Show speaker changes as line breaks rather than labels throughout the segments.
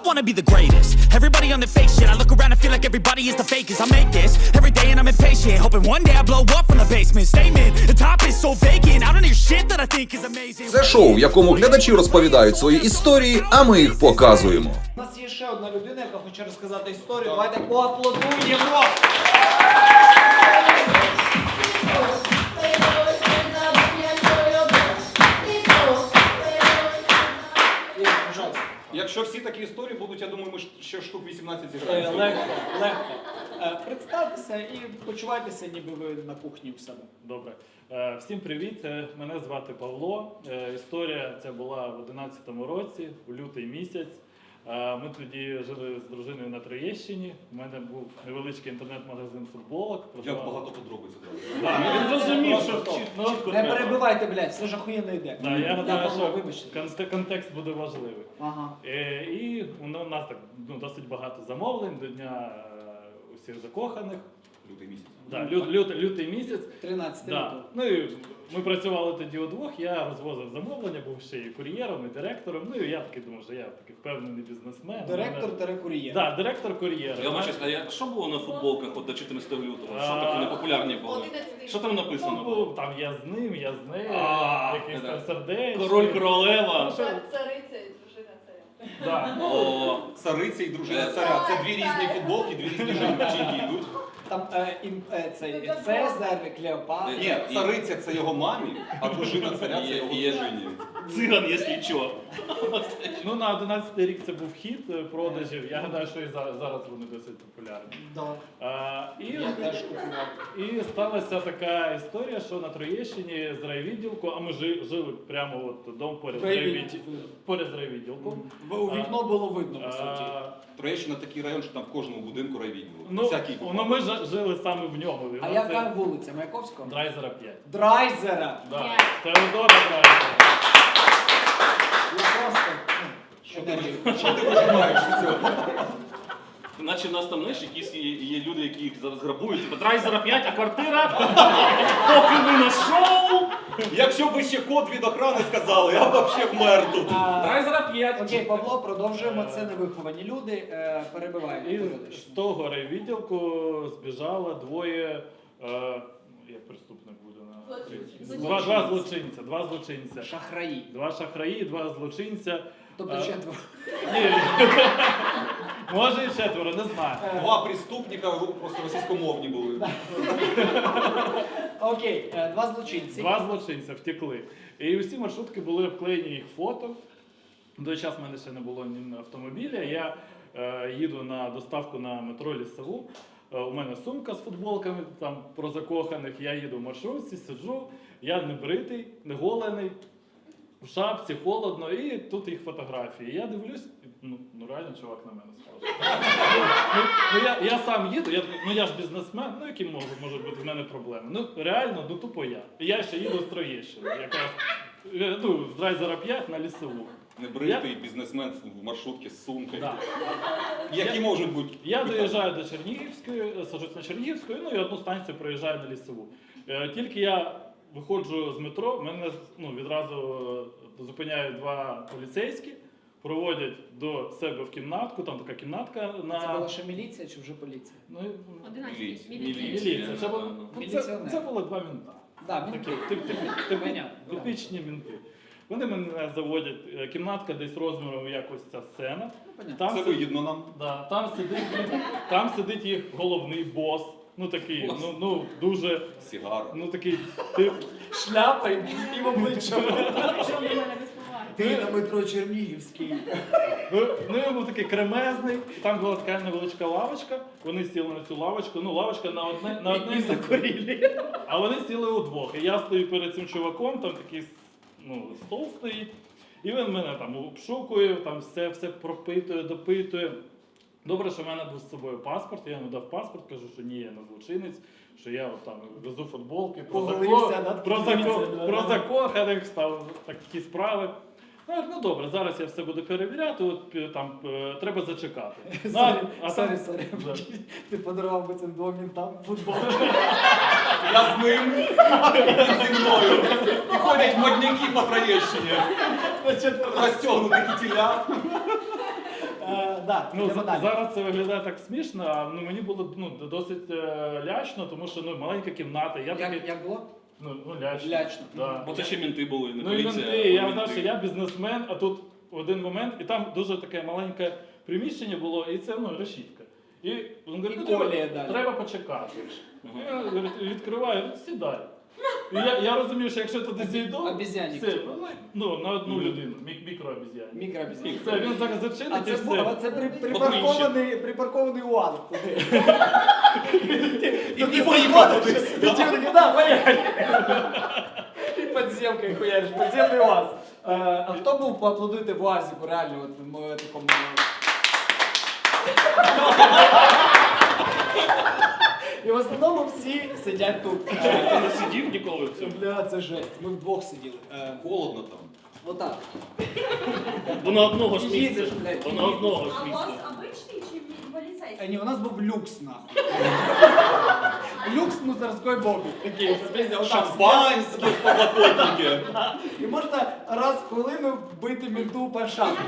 wanna be the greatest. Everybody on the fake shit. I look around and feel like everybody is the fakest. I make this every day and I'm impatient, hoping one day I blow up from the basement. Statement, the top is so vacant. I don't hear shit that I think is amazing.
Це шоу, в якому глядачі розповідають свої історії, а ми їх показуємо.
У нас є ще одна людина, яка хоче розказати історію. Давайте поаплодуємо!
Якщо всі такі історії будуть, я думаю, ми ще штук 18 зіграємо.
Легко. Представтеся і почувайтеся, ніби ви на кухні у себе.
Добре. Всім привіт, мене звати Павло. Історія ця була в 2011 році, у лютий місяць. Ми тоді жили з дружиною на Троєщині. У мене був невеличкий інтернет-магазин футболок.
Як багато подробиць.
Він зрозумів, що чітко
Не
треба.
перебивайте, блядь, все ж охуєнно йде.
Я гадаю, що
вибачте.
контекст буде важливий.
Ага.
І у нас так досить багато замовлень до Дня усіх закоханих.
Лютий місяць.
Да, лютий місяць.
13
Да.
лютого.
Ну і ми працювали тоді удвох, я розвозив замовлення, був ще і кур'єром, і директором. Ну і я такий думав, що я такий впевнений бізнесмен.
Директор-кур'єр.
Так, директор кур'єра.
Я бачу, а що було на футболках от до 14 лютого? Що такі непопулярні були? Що там написано було?
Ну, там я з ним, я з нею, якийсь там сердечко.
Король королева.
Цариця і дружина царя.
Да.
О,
Цариця і дружина царя. Це дві різні футболки, дві різні жінки йдуть.
Там цей Цезар, Клеопатра.
Ні, цариця це його мамі, а дружина царя це його дружині.
циган, якщо що.
Ну, на 11-й рік це був хід продажів. Я гадаю, що і зараз вони досить популярні.
Да. Я теж купував.
І сталася така історія, що на Троєщині з райвідділку, а ми жили прямо от дом поряд з райвідділком.
У вікно було видно, по суті.
Троєщина такий район, що там в кожному будинку райвідділу.
Ну, ми жили саме в ньому.
А яка вулиця? Маяковського?
Драйзера 5.
Драйзера!
Да. Теодора Драйзера.
Я просто...
Що ти вижимаєш з цього?
Наче в нас там, знаєш, якісь є люди, які їх зараз грабують. Типа Драйзера 5, а квартира? Поки ви на шоу!
Якщо б ви ще код від охорони сказали, я б взагалі вмер тут.
Драйзера 5.
Окей, Павло, продовжуємо. Це невиховані люди. Перебиваємо.
І з того райвідділку збіжало двоє, як преступник буде на два злочинця.
Шахраї.
Два шахраї, два злочинця.
Тобто четверо.
Ні, може і четверо, не знаю.
Два преступника просто російськомовні були.
Окей, два злочинці.
Два злочинця втекли. І усі маршрутки були обклеєні їх фото. В той час в мене ще не було ні автомобіля. Я їду на доставку на метро Лісову. У мене сумка з футболками там про закоханих. Я їду в маршрутці, сиджу. Я не бритий, не голений. В шапці, холодно, і тут їх фотографії. Я дивлюсь, ну реально чувак на мене схожий. Я сам їду, я ж бізнесмен, ну які можуть бути в мене проблеми. Ну реально, тупо я. І я ще їду з Троєщини, якраз, з Драйзера 5 на Лісову.
Небритий бізнесмен в маршрутці з сумкою.
Да.
Які можуть бути?
Я доїжджаю до Чернігівської, саджусь на Чернігівську, ну і одну станцію проїжджаю на Лісову. Тільки я виходжу з метро, мене відразу зупиняють два поліцейські, проводять до себе в кімнатку, там така кімнатка на...
Це була ще міліція чи вже поліція?
Ну,
Міліція.
Це було два мінта.
Так,
Такі типічні мінти. Вони мене заводять, кімнатка десь розміром, як ось ця сцена.
Це вигідно нам.
Да, там сидить їх головний бос. Ну такий, дуже...
Сігара.
Ну такий...
Шляпа і в обличчя. Ти на метро Чернігівський.
Ну, був такий кремезний, там була така невеличка лавочка, вони сіли на цю лавочку, лавочка на одне
І закурили.
а вони сіли удвох. І я стою перед цим чуваком, там такий стол стоїть, і він мене там обшукує, там все пропитує, допитує. Добре, що в мене був з собою паспорт, я йому дав паспорт, кажу, що ні, я не злочинець, що я там везу футболки, про закоханих, став такі справи. Ну добре, зараз я все буду перевіряти, от там треба зачекати.
Сорі, ти подарував би цим двом мінтам футболку.
Я з ним, він зі мною. І ходять модняки по Троєщині. Розтягнуті кітіля.
Да,
Ну,
йдемо далі.
зараз це виглядає так смішно, а ну, мені було досить лячно, тому що маленька кімната. Я такий,
Як було?
лячно.
Лячно.
Да.
Бо це ще мінти були, не
Ну і
поліція.
менти,
а
я
мінти.
знав, що я бізнесмен, а тут в один момент, і там дуже таке маленьке приміщення було, і це решітка. І він говорить,
І
ну,
колія далі.
треба почекати. Я говорю, відкриваю, говорю, сідай. І я розумію, що якщо туди зійду,
Обіз'янник,
це,
типу.
на одну людину, мікрообіз'янник.
Мікрообіз'янник.
Все, він зараз зачинить
А
і
це був,
все.
це припаркований УАЗ.
І поїхатись.
Ти такий, да, поїхали. І підземкою хуяриш, підземний УАЗ. А хто був поаплодуйте в УАЗі, реально, от в такому... І в основному всі сидять тут.
Ти не сидів ніколи в цьому?
Бля, це жесть. Ми вдвох сиділи.
Холодно там.
Отак.
Бо на одного ж
Їдеш,
місця.
блядь,
Бо на одного ж
А у
місця.
вас обичний чи поліцейський?
Ні, у нас був люкс, нахуй. Люкс мусорської бомби. Такий, отак.
Шампанське, подлокотники.
І можна раз в хвилину бити менту по шапку.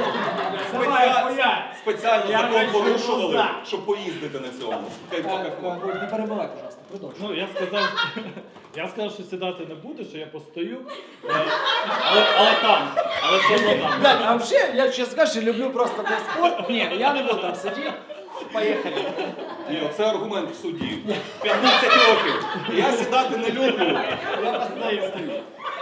Спеціально
Я
закон
хочу,
порушували,
да.
щоб поїздити на цьому. Хай пока.
Не перебивай, пожалуйста, продовжуй.
Ну, я сказав, що сидати не буду, що я постою.
Але там. Але все одно там.
Да, а взагалі, я чесно кажучи, люблю просто для спорт. Ні, я не буду там сидіти. Поїхали.
Ні, це аргумент в суді. 15 років. Я сідати не люблю.
Я постою, стою.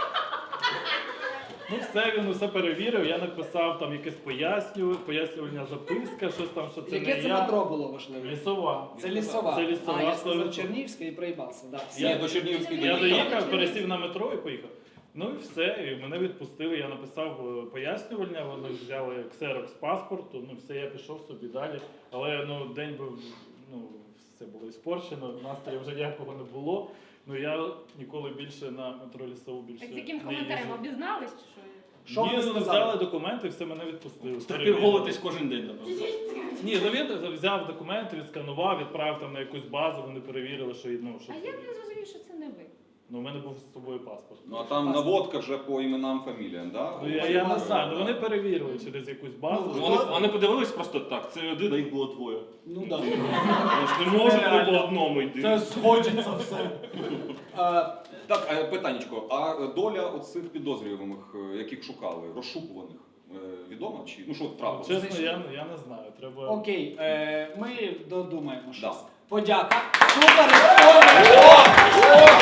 Ну все, він усе перевірив, я написав там якесь пояснювальна записка, щось там, що це
Яке
не
це
я.
метро було важливо?
Лісова.
Це лісова.
Це лісова.
А, я сказав
100%.
Чернівська і проїбався. Да.
Я до Чернігівської
Я
доїхав.
доїхав, пересів на метро і поїхав. Ну і все, і мене відпустили, я написав пояснювальня, вони взяли ксерокс паспорту, ну все, я пішов собі далі. Але день був, все було іспорчено, настрою вже ніякого не було. Ну я ніколи більше на метро лісову більше
Так з яким
не
коментарем
їжджу.
обізнались чи що?
Що
Ні,
ви
ну,
сказали?
взяли документи, все, мене відпустили.
Терпів голитись кожен день, напевно.
Ні, ну він взяв документи, відсканував, відправив там на якусь базу, вони перевірили, що що
А як він зрозумів, що це не ви?
ну, у мене був з собою паспорт.
Ну а там наводка вже по іменам, фаміліям, да?
Ну, я не знаю, ну вони перевірили через якусь базу.
Вони подивились просто так, це один, а їх було двоє.
Ну так.
Вони ж не можуть по одному йти.
Це сходиться все.
Так, питаннячко, а доля оцих підозрюваних, яких шукали, розшукуваних, відома? Чи, ну що трапилося?
Чесно, я не знаю. Треба.
Окей, ми додумаємо щось.
Да.
Подяка. Супер історія!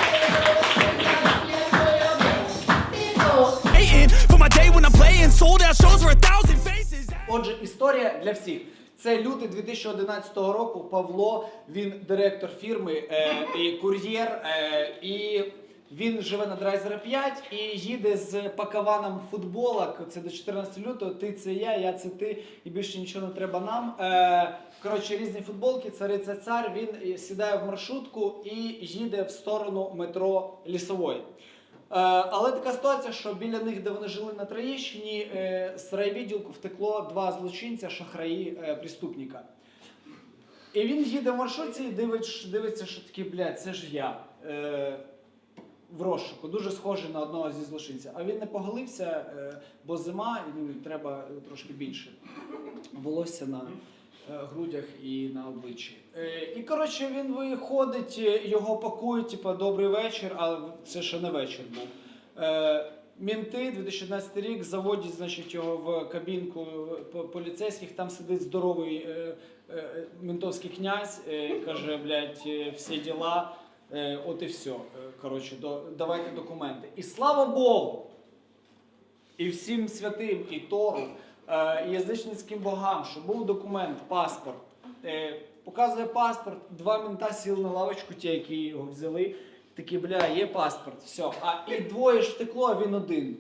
Hating for my day when I'm playing sold out shows for 1,000 faces.
Отже, історія для всіх. Це лютий 2011 року. Павло, він директор фірми і кур'єр, і він живе на Драйзера 5 і їде з пакаваном футболок. Це до 14 лютого. Ти це я це ти, і більше нічого не треба нам. Коротше, різні футболки, цариця цар. Він сідає в маршрутку і їде в сторону метро Лісової. Але така ситуація, що біля них, де вони жили на Троєщині, з райвідділку втекло два злочинця, шахраї, преступника. І він їде в маршрутці і дивиться, що такі, блядь, це ж я. В розшуку, дуже схожий на одного зі злочинців. А він не поголився, бо зима, і треба трошки більше волосся на грудях і на обличчі. І, коротше, він виходить, його пакують, типу, добрий вечір, але це ще не вечір був. Мінти, 2011 рік, заводять, значить, його в кабінку поліцейських, там сидить здоровий ментовський князь, каже, блядь, всі діла, от і все. Коротше, давайте документи. І слава Богу, і всім святим, і Тору, і язичницьким богам, що був документ, паспорт. Показує паспорт, два мента сіли на лавочку, ті, які його взяли, такі, бля, є паспорт, все. І двоє ж втекло, а він один.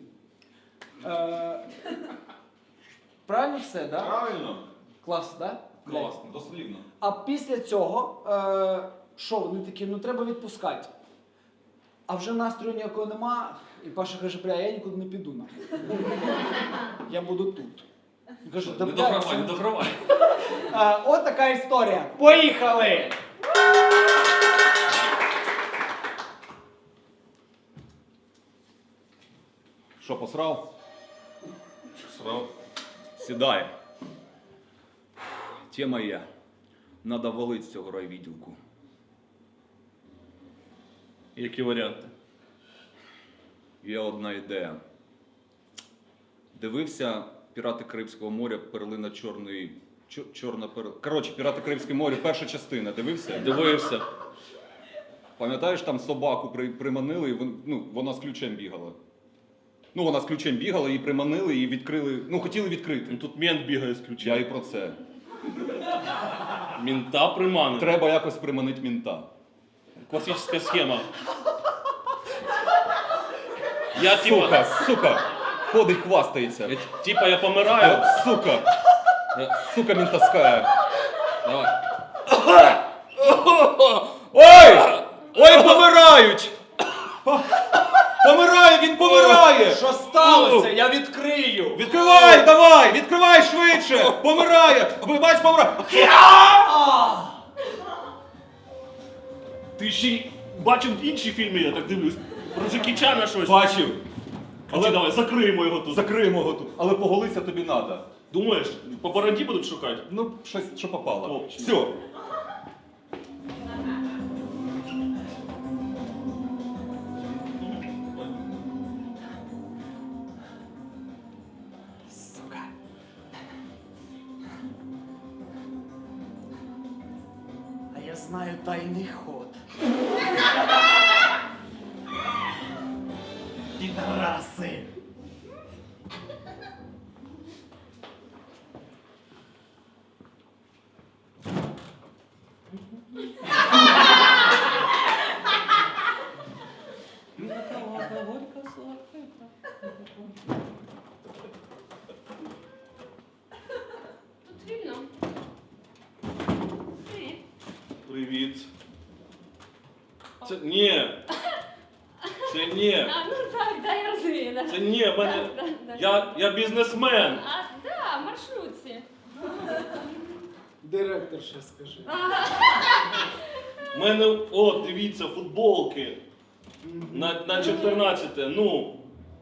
Правильно все, так? Да?
Правильно.
Клас, так? Да?
Класно, дослівно.
А після цього, що, вони такі, ну треба відпускати. А вже настрою ніякого нема, і Паша каже, бля, я нікуди не піду, нахуй. Я буду тут. Він каже, да,
Не
бля,
догравай, не догравай.
от така історія. Поїхали!
Що, посрав? Срав. Сідай. Тема є. Надо валить з цього райвідділку.
Які варіанти?
Є одна ідея. Дивився «Пірати Карибського моря. Перлина чорної... Чорна перлина. Коротше, «Пірати Карибського моря», перша частина. Дивився?
Дивився.
Пам'ятаєш, там собаку приманили, і вона з ключем бігала. Ну, вона з ключем бігала, її приманили і відкрили. Ну, хотіли відкрити.
Ну, тут мент бігає з
Я
ключа.
і про це.
Мінта приманив.
Треба якось приманити мінта.
Классическая схема. Я типа,
Сука! Ходить, хвастається.
я помираю.
Сука! Сука ментовская.
Давай.
Ой! Ой, помирають! Помирає, він помирає!
Що сталося? Я відкрию!
Відкривай, давай! Відкривай швидше! Помирає! Бач, помирає!
Ти ще й бачив інші фільми, я так дивлюсь. Про Джекі Чана щось.
Бачив!
Але давай, закриємо його тут.
Закриємо його тут. Але поголися тобі надо.
Думаєш, по бороді будуть шукати?
Ну, щось, що попало.
Топчик.
Все.
Сука. А я знаю тайний ход. Підараси.
Тут вільно. Привіт.
Привіт. Це ні. Це ні.
А, ну так, да, я розумію. Да.
Це ні, в мене.
Да.
Я бізнесмен.
А, да, в маршрутці.
Директор ще скажи.
У мене, от, дивіться, футболки. На 14, ну.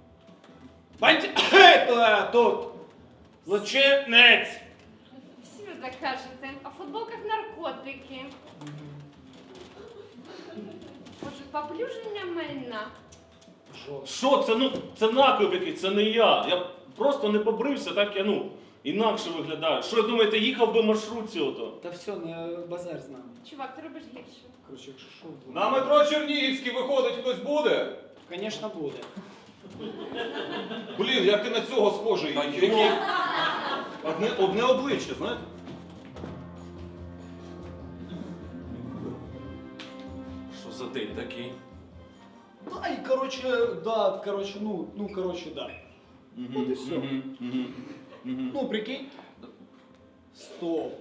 Тут. Злочинець.
Всі ви так кажете. А в футболках наркотики. Може, поплюження майна.
Що це? Ну, це наклеп якийсь, це не я. Я просто не побрився, так я, ну, інакше виглядаю. Що, думаєте, їхав би в маршрутці ото?
Та все, не базар з нами.
Чувак, ти робиш гірше.
Коротше, якщо що,
На метро Чернігівський виходить, хтось буде?
звісно, буде.
Блін, як ти на цього схожий?
Та
Який...
йо.
Одне обличчя, знаєте?
Що за день такий?
Да, і коротше, да. От і все. Ну, прикинь. Стоп.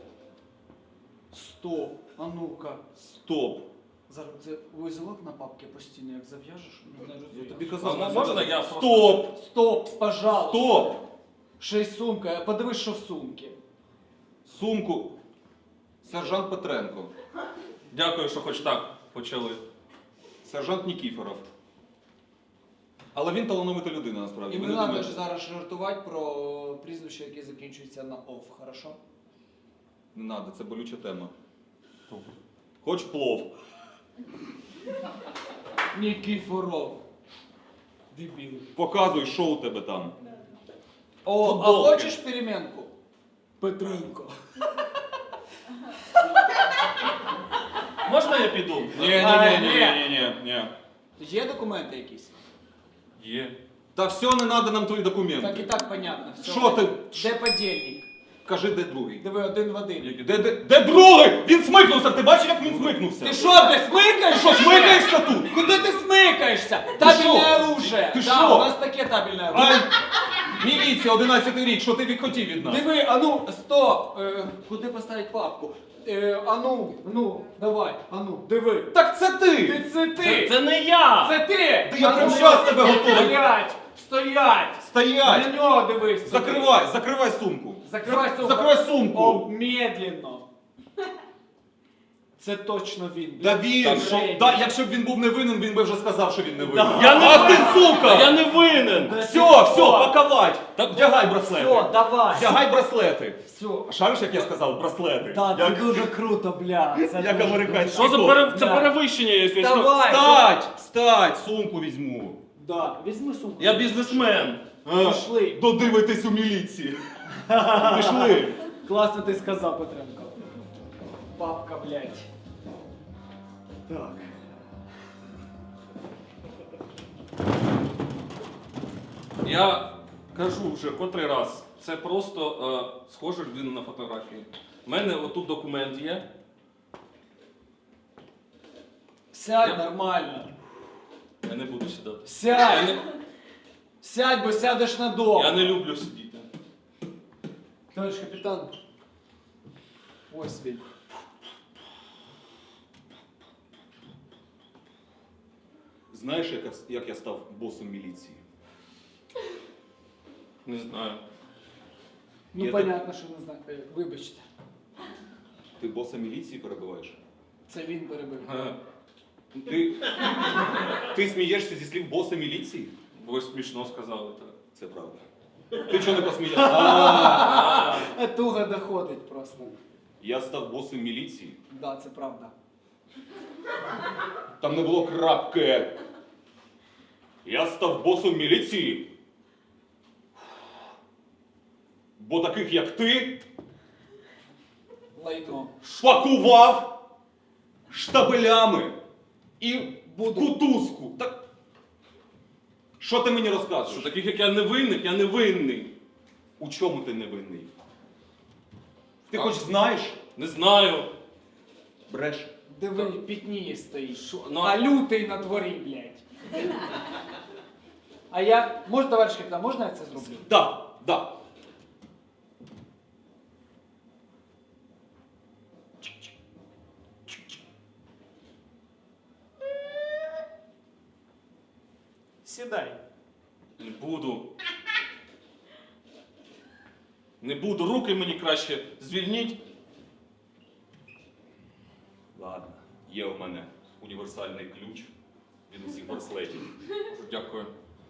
А ну-ка.
Стоп.
Зараз це вузелок на папки постійно, як зав'яжеш, не розумію.
Тобі
А
казав,
можна я
Стоп!
Стоп, пожалуйста.
Стоп!
Ще й сумка. Подивись, що в сумці.
Сумку. Сержант Петренко.
Дякую, що хоч так почали.
Сержант Нікіфоров. Але він талановита людина, насправді.
І
Ви
не
не
треба
думаєте?
ж зараз жартувати про прізвище, яке закінчується на ов, хорошо?
Не надо, це болюча тема. Хоч плов.
Нікіфоров. Дебіл.
Показуй, що у тебе там.
О,
Футболки.
а хочеш перемінку? Петренко.
Можна я піду?
Ні.
Є документи якісь?
Є.
Та все, не треба нам твої документи.
Так і так понятно. Все.
Що ти?
Де подільник?
Кажи, де другий?
Диви, один в один.
Де другий? Він смикнувся, ти бачиш, як він смикнувся?
Ти що, ти смикаєшся?
Що, смикаєшся тут?
Куди ти смикаєшся? Табельне
що?
оружие.
Ти
Да,
що?
у нас таке табельне
Ай,
оружие.
міліція, 11-й рік, що ти відхотів від нас?
Диви, а ну, стоп. Куди поставити папку? А ну, давай, а ну, диви.
Так це ти!
Це ти!
Це не я!
Це ти!
Та я прям щас тебе готовий.
Стоять! Стоять!
Стоять!
На нього дивись!
Закривай сумку.
Закривай сумку!
Закривай сумку!
Медленно! Це точно він.
Да він,
Та
що,
Женя.
да, якщо б він був не винен, він би вже сказав, що він не винен.
Я не
Ах ти,
винен!
сука!
Я не винен!
Все, паковать! Вдягай браслети.
Все, давай.
Вдягай браслети.
Все.
Шариш, як я сказав, браслети.
Да, це
Як-
дуже круто, бля. Це
Як
дуже
американський
Що за
Да.
перевищення якесь?
Вставай.
Встать, сумку візьму.
Да, візьми сумку.
Я бізнесмен.
Пішли.
Додивитись у міліції. Пішли.
Класно ти сказав, Петренко. Папка, блядь. Так.
Я кажу вже котрий раз. Це просто схожа людина на фотографії. У мене отут документ є.
Сядь
Я-
нормально.
Я не буду сідати. Я
Сядь.
не,
Сядь, бо сядеш надовго.
я не люблю сидіти.
Товариш капітан. Ось він.
Знаєш, як я став босом міліції?
Не знаю.
Ну,
Я
понятно, що не знаю. Вибачте.
Ти боса міліції перебиваєш?
Це він перебив.
Ти смієшся зі слів боса міліції?
Ви смішно сказали так.
Це правда. Ти чого не посміявся?
Туга доходить просто.
Я став босом міліції.
Да, це правда.
Там не було крапки. Я став босом міліції. Бо таких, як ти,
Лайно.
шпакував штабелями і
Буду.
кутузку. Так... Що ти мені розказуєш?
Що таких, як я не винний.
У чому ти невинний? Ти хоч знаєш?
Не знаю.
Бреш.
Диви, пітніє стоїть.
Ну,
А лютий на дворі, блядь. А я... Може, товариш капітан, можна я це зроблю?
Да, да.
Сідай.
Не буду. Не буду. Руки мені краще звільніть.
Ладно, є у мене універсальний ключ від усіх браслетів.
Дякую.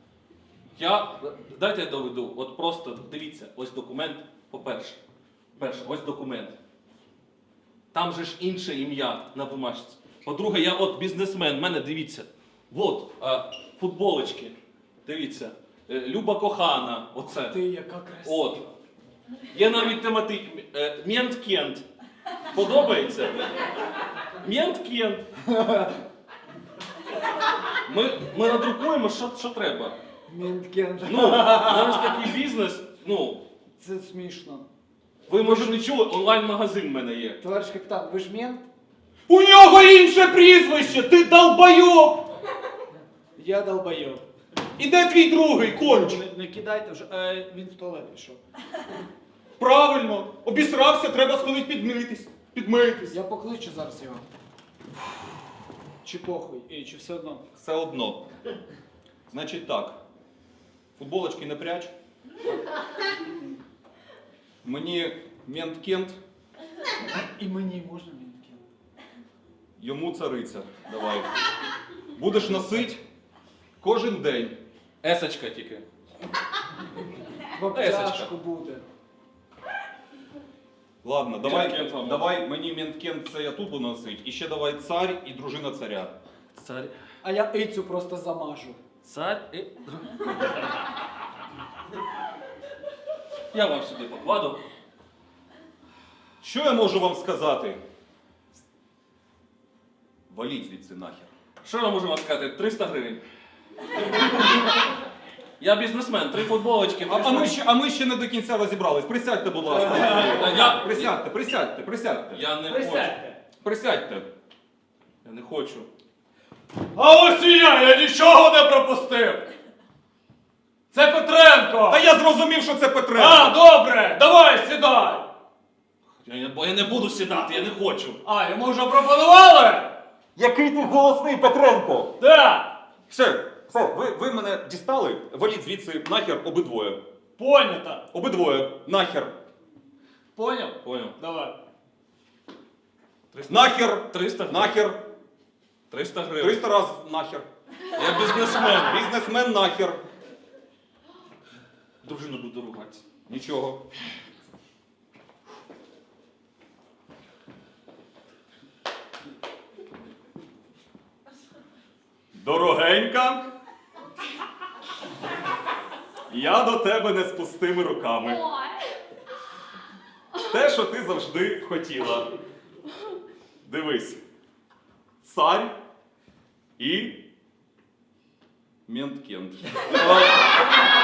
Дайте я доведу. От просто дивіться, ось документ, по-перше. Ось документ. Там же ж інше ім'я на бумажці. По-друге, я от бізнесмен, в мене дивіться. От, футболочки. Дивіться. Люба кохана. Оце.
Ти яка красива.
От. Є навіть Мент Кент. Подобається? Мент Кент. Ми надрукуємо, що треба.
Мінткен.
Ну, зараз такий бізнес, ну,
Це смішно.
ви може не чули, онлайн-магазин в мене є.
Товариш капітан, ви ж мент?
У нього інше прізвище! Ти долбойоб!
Я долбойоб.
І де твій другий конч?
Не кидайте вже. Він в туалет пішов.
Правильно, обісрався, треба сходити підмитись. Підмитись.
Я покличу зараз його. Чи похуй, чи все одно?
Все одно. Значить так. Футболочки не пряч. Мені мент Кент,
І мені можна мінткен?
йому цариця. Давай. Будеш носить кожен день.
Есочка тільки.
В обтяжку буде.
Ладно,
Мент-Кент вам
давай мені мент Кент, це я тут буду носить. І ще давай цар і дружина царя.
Царь.
А я ицю просто замажу.
Царь і... Я вам сюди покладу.
Що я можу вам сказати? Валіть звідси нахер.
Що я можу вам сказати? 300 гривень. Я бізнесмен, 3 футболочки.
А ми ще не до кінця розібрались. Присядьте, будь ласка. Присядьте.
Я не хочу.
Присядьте.
Я не хочу.
А ось і я нічого не пропустив! Це Петренко!
Та я зрозумів, що це Петренко.
А, добре! Давай, сідай!
Я не буду сідати, я не хочу.
А, йому вже пропонували?
Який ти голосний, Петренко!
Да!
Все, ви мене дістали, валіть звідси нахер обидвоє.
Понято!
Обидвоє, нахер.
Поняв?
Поняв.
Давай.
Нахер!
300 гривень.
Нахер!
300 гривень.
300 раз нахер!
Я бізнесмен.
Бізнесмен нахер!
Дружина буде ругатися.
Нічого. Дорогенька, я до тебе не з пустими руками.
Ой.
Те, що ти завжди хотіла. Дивись. Царь і Менткент.